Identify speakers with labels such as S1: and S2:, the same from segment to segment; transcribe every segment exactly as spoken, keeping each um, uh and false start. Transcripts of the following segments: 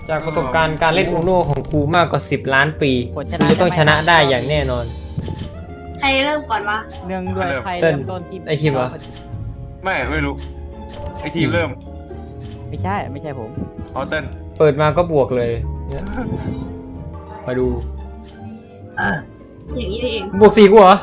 S1: จากประสบการณ์การเล่นอูโน่ของครูมากกว่าสิบล้านปีคุณจะต้องชนะได้อย่างแน่นอน
S2: ใครเริ่มก่อนวะ
S3: เนื่องด้วยใคร
S1: เต้น
S3: เริ่มต้นที่
S1: ไอ้คิมเหรอ
S4: ไม่ไม่รู้ไอทีมเริ่ม
S3: ไม่ใช่ไม่ใช่ผม
S4: ออเต้น
S1: เปิดมาก็บวกเลยเนี่ยมาดู
S2: อย่างนี้นี่เอง
S1: บวกสี่กูเหรอ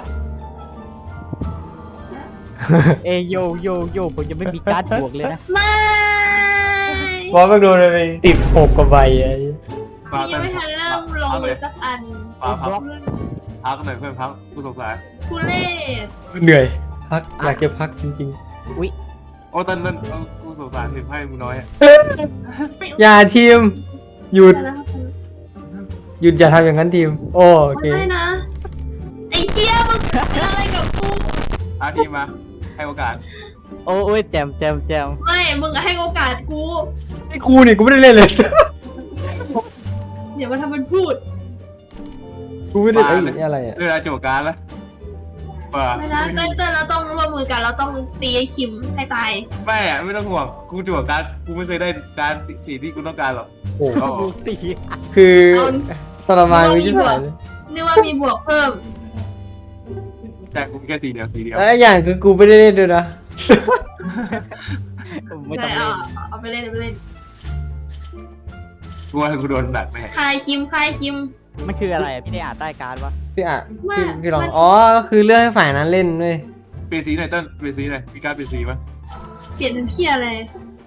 S3: เอยโยโยโยผมยังไม่มีการ์ดบวกเลยนะ
S2: ไม่
S1: บอสมันโดนเลยติดหกกว่าใบไอ้
S4: มา
S2: พี่ยังไม่ทันเริ่มลงมือสักอัน
S4: มาพักพักหน่อยเพื่อนพักกูสงสาร
S2: ทุเล่
S1: เหนื่อยพักอยากจะพักจริง
S4: โอ้เต้นเต้นกูสงสารถึงให้มึงน้อยอะ
S1: ๆ อย่าทีมหยุดหยุดอย่าทำอย่างนั้นทีมโอเค
S2: ไม่นะไอ้เชี่ยมึงเป็นอะไรกับกู
S4: อาทีมมาให้โอกาส
S3: โอ้ยแจมแจมแจม
S2: ไม่มึงอะให้โอกาสกู
S1: ไอ้ครูนี่กูไม่ได้เล่นเลย
S2: เดี๋ยวมาทำเป็นพูด
S1: กูไม่ได้ไอ้นี่อะไรอ่ะ
S4: เรื่องอะไรจบการแล้วป่า
S2: ไม่นะเต้นเต้นเราต้องร่วมมือกันเราต้องตีไอ้คิมให้ตาย
S4: ไม่อะไม่ต้องห่วงกูจบการกูไม่เคยได้การสีที่กูต้องการหรอก
S1: โอ้โห
S4: เอา
S3: ดูสิ
S1: คือทรมานไม่ใช่ไหม
S2: นึกว่ามีบวกเพิ่ม
S4: แต่กูมีแค่สีเดียวสีเดียว
S1: แล้วอย่างคือกูไม่ได้เล่นด้วยนะ
S3: ไม่ต้อง
S2: เอา
S3: เล่น
S2: เอาไปเล่นเอาไปเล่น
S4: กูว่ากูโดนหนักแน่
S2: คายคิมคายคิม
S3: มันคืออะไรอะพี่ได้อ่านใต้การ์ดวะ
S1: พี่อ่ะ
S2: ไม่
S1: พี่พี่ลอง
S2: มัน
S1: อ๋อก็คือเลือกให้ฝ่ายนั้นเล่นเว้ย
S4: เปลี่ยนสีหน่อยเต้นเปลี่ยนสีหน่อยมีการเปลี่ยนสีปะ
S2: เปลี่ยนเป็นเพี้ยเลย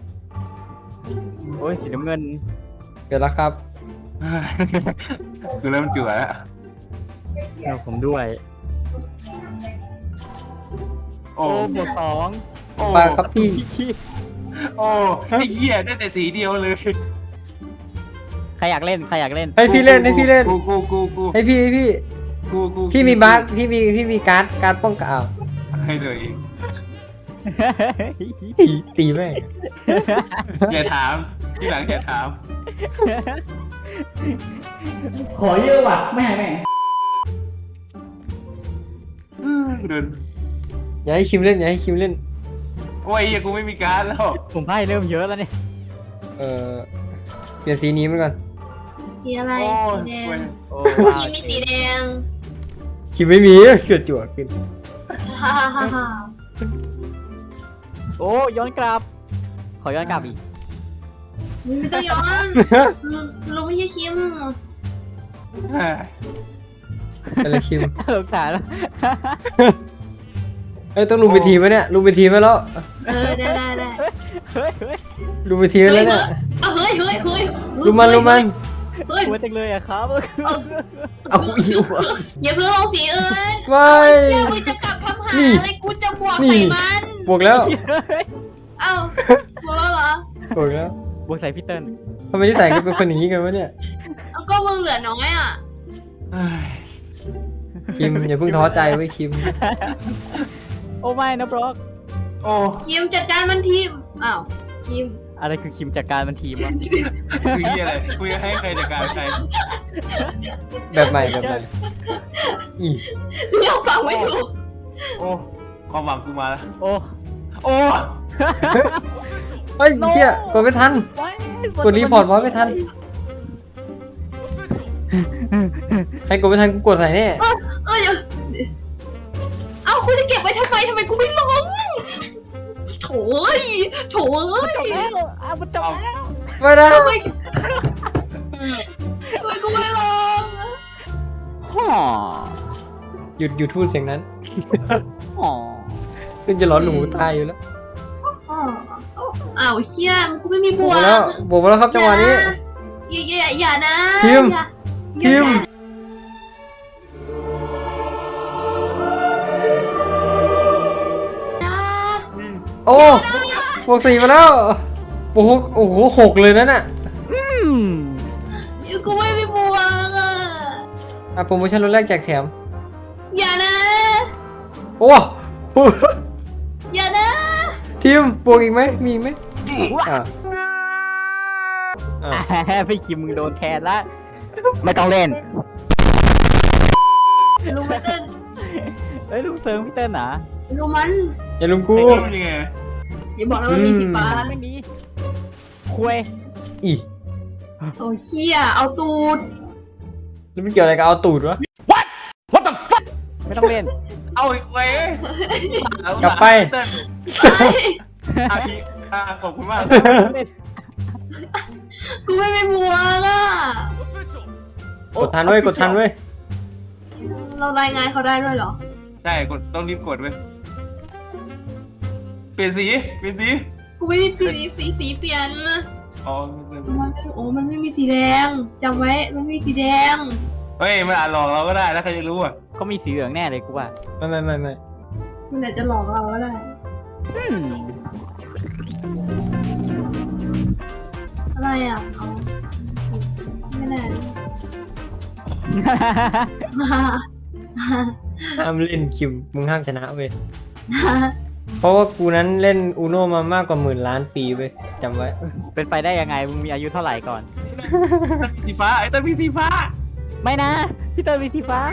S3: โอ้ยสีน้ำเงิน
S1: เดี๋ยวแล้วครับ
S4: คือเริ่มเจือแล้ว
S3: เอาผมด้วย
S4: โอ้
S3: โอ้บวกสอง
S4: โอ้
S1: ปลาครับพี่
S3: พี่
S4: โอ้ไอ้เหี้ยได้แต่สีเดียวเลย
S3: ใครอยากเล่นใครอยากเล่น
S1: ให้พี่เล่นให้พี่เล่น
S4: กูกูกูกู
S1: ให้พี่ให้พี่
S4: กูกู
S1: พี่มีบัคพี่มีพี่มีการ์ดการ์ดป้องกันอ้าว
S4: ให้เลย
S1: ตีตีแม่ง
S4: อย่าถามที่หลังอย่าถาม
S5: ขอเยอะว่ะไม่ให้แม่ง
S4: เดิน
S1: อย่าให้คิมเล่นอย่าให้คิมเล่น
S4: โอ้ยเหี้ยกูไม่มีการดแล้ว
S3: ผมไพ่เริ่มเยอะแล้วเนี่ย
S1: เออเปลี่ยนสีนี้มันก่อน
S2: สีอะไร
S4: โอ้ย
S2: สีแดง
S3: โอ้
S2: คิมมีสีแดง
S1: คิมไม่มีเกิดจั่วขึ้น
S2: ฮ่าฮ่าฮ่าฮ่า
S3: โอ้ย้อนกลับ ขอย้อนกลับอีก
S2: ไม่ต้องย้อนลุงไม่ใช่คิม
S1: อะไรคิม
S3: เออขาดแล้ว
S1: เอ้ยต้องลุมไปทีมไหมเนี่ยลุมไปทีมไหมแล้ว
S2: เออได้ได้ได้
S3: เฮ้ยเฮ้ย
S1: ลุมไปทีมแล้วเนี่ย
S2: เอาเฮ้ยเฮ้ยเฮ้ย
S1: ลุมมันลุมมัน
S2: เฮ้ย
S3: กลัวจังเลยอะครับ
S1: เอาอีก
S2: อย่าเพิ่งลงสีอื่น
S1: ไม่
S2: เอาเชี่ยมึงจะกลับทำหา
S1: นี่
S2: อะไรกูจะบวก
S1: นี่
S2: ใส่มัน
S1: บวกแล้ว
S2: เอ้าบวกแล้วเหรอบ
S1: วกแล้ว
S3: บวกใส่พี่เติ้ล
S1: ทำไมที่แต่งกันเป็นคนอย่างนี้กันวะเนี่ย
S2: เอาก็มึงเหลือน้อยอ่ะ
S1: คิมอย่าเพิ่งท้อใจไว้ยคิม
S3: โอ้ไม่นะบล็อก
S4: โอ้
S2: คิมจัดการมันทีมอ้าวคิม
S3: อะไรคือคิมจากการมันทีมวะ
S4: คือเหี้ยอะไรกูจะให้ใครจัดการใคร
S1: แบบใหม่แบบใหม่อี
S2: เรื่องฟังไม่ถูก
S4: โอ้ความหวังกูมาแล้ว
S3: โอ้
S4: โอ้
S1: เฮ้ยเชี่ยกดไม่ทัน
S3: ไม่
S1: กดรีพอร์ตไว้ไม่ทันใครกดไม่ทันกูกดไหนแน่
S2: เอ้ยเอาคุณจะเก็บไว้ทำไมทำไมกูไม่ลงโถ่เอ้ยโถ่เอ้
S3: จบ
S2: ย
S3: แล้วอ่ะมันจบแล้ว
S1: ไม่ได้
S2: ทำไมทำไมกูไม่ลง
S3: ฮ่อ
S1: หยุดหยุดพูดเสียงนั้น
S3: ฮ่อ
S1: ขึ้นจะร้อนหนูตายอยู่แล้ว
S2: อ้าวเชี่ยกูไม่มีบบ ว
S1: ว
S2: ก
S1: กแล้วบวกมาแล้วครับจังหวะนี้
S2: อย่าอย่าอย่านะ
S1: คิม
S2: อย่า
S1: คิม
S2: อย่า
S1: โอ้บวกสี่มาแล้วโอ้โหโอ้โหหกเลยนั่นน่ะ
S3: อืม
S2: อย่ากูไม่มีบวกอ่ะ
S1: อ่ะโปรโมชั่นลดแรกแจกแถม
S2: อย่านะ
S1: โอ้
S2: อย่านะ
S1: ทีมบวกอีกไหมมีอีกไหมอ่ะอ่ะ
S3: พี่คิมมึงโดนแทนละไม่ต้องเล่น
S2: ลุงมันเต้น
S3: เฮ้ยลุงเซิร์ฟพี่เติ้ลนะ
S2: ลุงมัน
S1: อย่าลุมกู
S4: ไอ้กูยังไง
S2: อย่าบอกนะว่ามีสีฟ้า
S3: ไม่มีคุย
S1: อี
S2: โอ้เชี่ยเอาตูด
S1: แล้วมันเกี่ยวอะไรกับเอาตูดวะ
S3: ไม่ต้องเล่น
S4: เอาอีกเว้ย
S1: กลับไป
S4: เติ้ล
S2: เฮ้ย
S4: อ่ะพี่อ่ะขอบคุณมาก
S2: กูไม่ไปมัวล่ะ
S1: กดทันเว้ยกดทันเว้ย
S2: เรารายงานเขาได้ด้วยเหรอ
S4: ใช่กดต้องรีบกดเว้ยเปลี่ยนสีเปลี่ยนสี
S2: กูไม่มีสีสีสีเปลี่ยน
S4: อ๋อ
S2: มันไม่โอ้มันไม่มีสีแดงจำไว้มันไม่มีสีแดง
S4: เฮ้ยมันอาจหลอกเราก็ได้นะใครจะรู้อ่ะ
S3: ก็มีสีเหลืองแน่เลยกูว่า
S1: ไม่ไม่ไม่ไม่
S2: มันอาจจะหลอกเราก็ได้
S3: อืม
S2: อะไรอ่ะเอาไม่แน่
S1: ห้ามเล่นคิวมึงห้ามชนะเว้ยเพราะว่ากูนั้นเล่นอูโนมามากกว่าหมื่นล้านปีเว้ยจำไว้
S3: เป็นไปได้ยังไงมึงมีอายุเท่าไหร่ก่อน
S4: สีฟ้าไอ้เติ้ลมีสีฟ้า
S3: ไม่นะพี่เตอร์มีสีฟ้า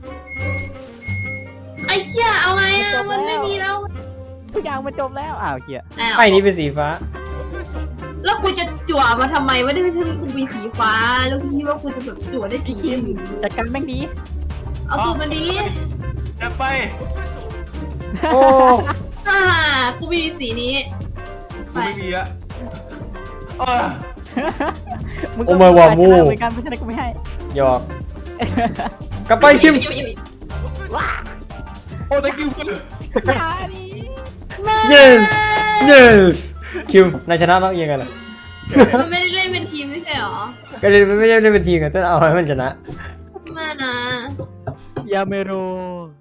S2: ไอ้เชี่ยเอาไงอ่ะมันไม่มีแล้ว
S3: ทุกอย่างมันจบแล้วอ้าวเฮีย
S2: อ้าว
S1: ไพ่นี้เป็นสีฟ้า
S2: แล้วกูจะจั่วมาทำไมไม่ได้ที่กูมีสีฟ้าแล้วกูคิดว่ากูจะแบบจั่วได้สีอื่น
S3: จัดการแม่งดี
S2: เอาตูดมันดี
S4: จะไป
S1: โอ้
S2: ฮ่ากูไม่มีสีนี้
S4: กูไม่มีอะเออ
S3: มึง
S1: โอ้มาว่ามู
S3: เหมือนกันเพราะฉะนั้นกูไม่ให้
S1: หยอกกลับไปคิม
S4: โอ้ thank you
S3: อย่าดิ
S1: yes yes คิมนายชนะต้องยังไงล่ะ
S2: มันไม่ได้เล่นเป็นทีมไม่ใช่หรอ
S1: ก็เลยไม่ใช่ได้เป็นทีมกันแต่เอาให้มันชนะ
S2: ไมานะ
S3: ยาเมโร